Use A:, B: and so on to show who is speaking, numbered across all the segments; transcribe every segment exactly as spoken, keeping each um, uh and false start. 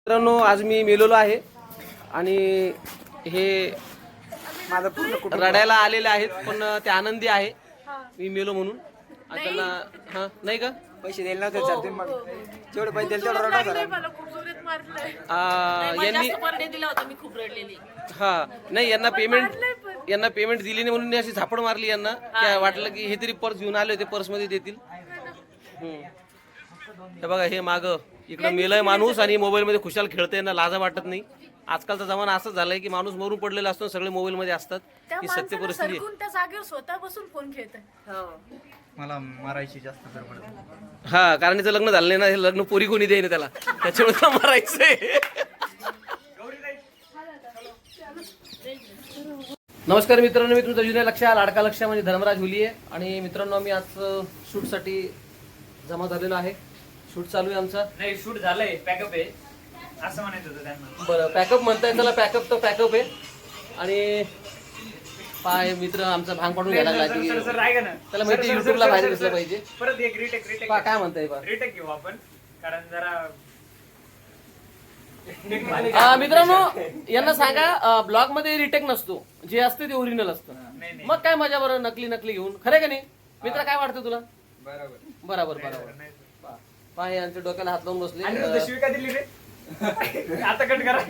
A: मित्रांनो, आज मी मेलेलो आहे आणि हे
B: माझं पूर्ण कुटुंब
A: रडायला आलेले आहेत, पण ते आनंदी आहे मी मेलो म्हणून. आणि त्यांना हा नाही का
B: पैसे दिले नव्हते सर, ते मग जेवढे पैसे दिले तेवढं रडा सर.
A: आ, यांनी हा नाही यांना पेमेंट यांना पेमेंट दिली नाही म्हणून मी अशी झापड मारली यांना. काय वाटलं की हे तरी पर्स घेऊन आले होते, पर्स मध्ये देतील. हे बघा, हे माग इकडे मेलय माणूस आणि मोबाईल मध्ये खुशाल खेळतंय ना, लाजा वाटत नाही. आजकालचा जमाना असंच झालाय की माणूस मरून पडलेला असतो, सगळे मोबाईल मध्ये असतात. ही सत्य परिस्थिती आहे.
C: स्वतः बसून फोन खेळतोय.
B: मला मारायची जास्त गडबड.
A: हा, कारण याचं लग्न झालं नाही ना, हे लग्न पोरी कोणी देईन त्याला, त्याच्यामुळे त्याला मारायचंय. नमस्कार मित्रांनो, मी तुमचा जुन्या लक्ष्या लाडका लक्ष्या म्हणजे धर्मराज हुलिये. आणि मित्रांनो, मी आज शूट साठी जमा झालेलो आहे. शूट चालू आहे आमचा.
D: नाही, शूट झालंय, पॅकअप आहे असं म्हणायचं होतं त्यांना.
A: बरं, पॅकअप म्हणताय, त्याला पॅकअप तर पॅकअप आहे. आणि पाय मित्र आमचा भांग पाडून घ्यायला लागला की
D: सर, सर, ऐका ना.
A: त्याला माहिती
D: सर, सर,
A: युट्यूबला
D: सर,
A: बाहेर
D: सर,
A: दिसलं
D: सर,
A: पाहिजे.
D: परत एक रिटेक रिटेक
A: पा काय म्हणताय पा
D: रिटेक घेऊ आपण, कारण जरा
A: आ, मित्रांनो, यांना सांगा ब्लॉग मध्ये रिटेक नसतो, जे असते ते ओरिजिनल असतं.
D: नाही, नाही.
A: मग काय मजा बरं नकली नकली घेऊन, खरं का नाही मित्र? काय वाटतं तुला?
B: बरोबर.
A: बरोबर बरोबर. पाय यांच्या डोक्याला हात लावून बसले.
D: आणि तू शिवी का दिली रे? आता कट करा.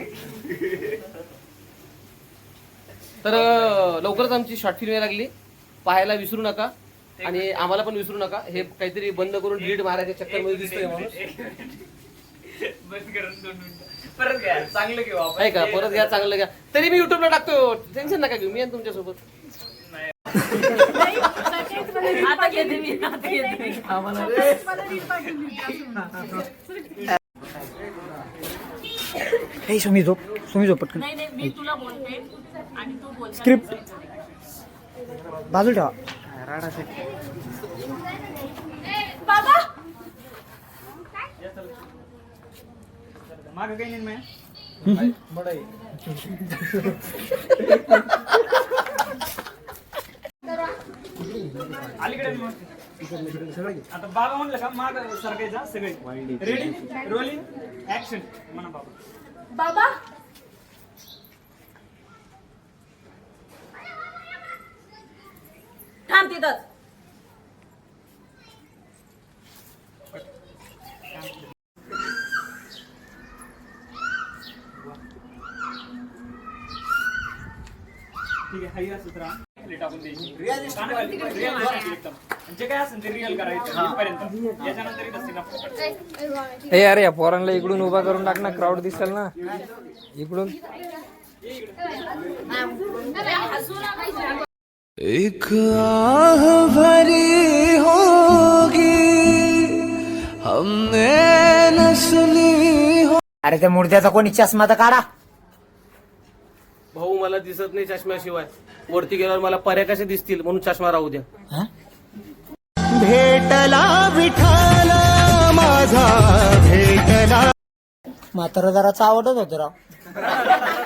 A: तर अ, लवकरच आमची शॉर्ट फिल्म यायला लागली, पाहायला विसरू नका. आणि आम्हाला पण विसरू नका. हे काहीतरी बंद करून डिलीट मारायच्या चक्कर मध्ये दिसतोय माणूस.
D: बंद करून दोन मिनिटं परत घ्या, चांगलं घेऊ आपण.
A: आहे का? परत घ्या, चांगलं घ्या. तरी मी युट्यूबला टाकतो, टेन्शन नका घेऊ, मी आहे तुमच्या सोबत.
C: आता घेते मी, आता घेते मी.
B: हे सुमी झोप, सुमी झोप पटकन.
C: नाही नाही, मी तुला बोलते आणि तू बोल.
B: स्क्रिप्ट बाजूला ठेवा. राडासाठी
C: बाबा
D: मागं काही नाही. अलीकडे मग. आता बाबा म्हणलं का माग सरकायचा सगळे. रेडी, रोलिंग, ऍक्शन म्हणा बाबा.
C: बाबा थांब तिथंच.
D: ठीक आहे, हाई असंच राहा. टाकून द्यायची. कानाखाली, realistic एकदम. जे काय असेल ते रिअल करायचं इथपर्यंत. याच्यानंतर नसते ना.
B: हे अरे, या पोरांना इकडून उभा करून टाक ना, क्राऊड दिसेल ना इकडून.
E: एक आह भरी होगी हमने न सुनी हो.
B: अरे, त्या मुर्द्याचा कोणी चष्मा तर काढा.
A: भाऊ, मला दिसत नाही चष्म्याशिवाय. वरती गेल्यावर मला पर्या कशा दिसतील, म्हणून चष्मा राहू द्या.
E: भेटला विठाल माझा भेटला.
B: म्हातारा जराचा आवडत होतं राव.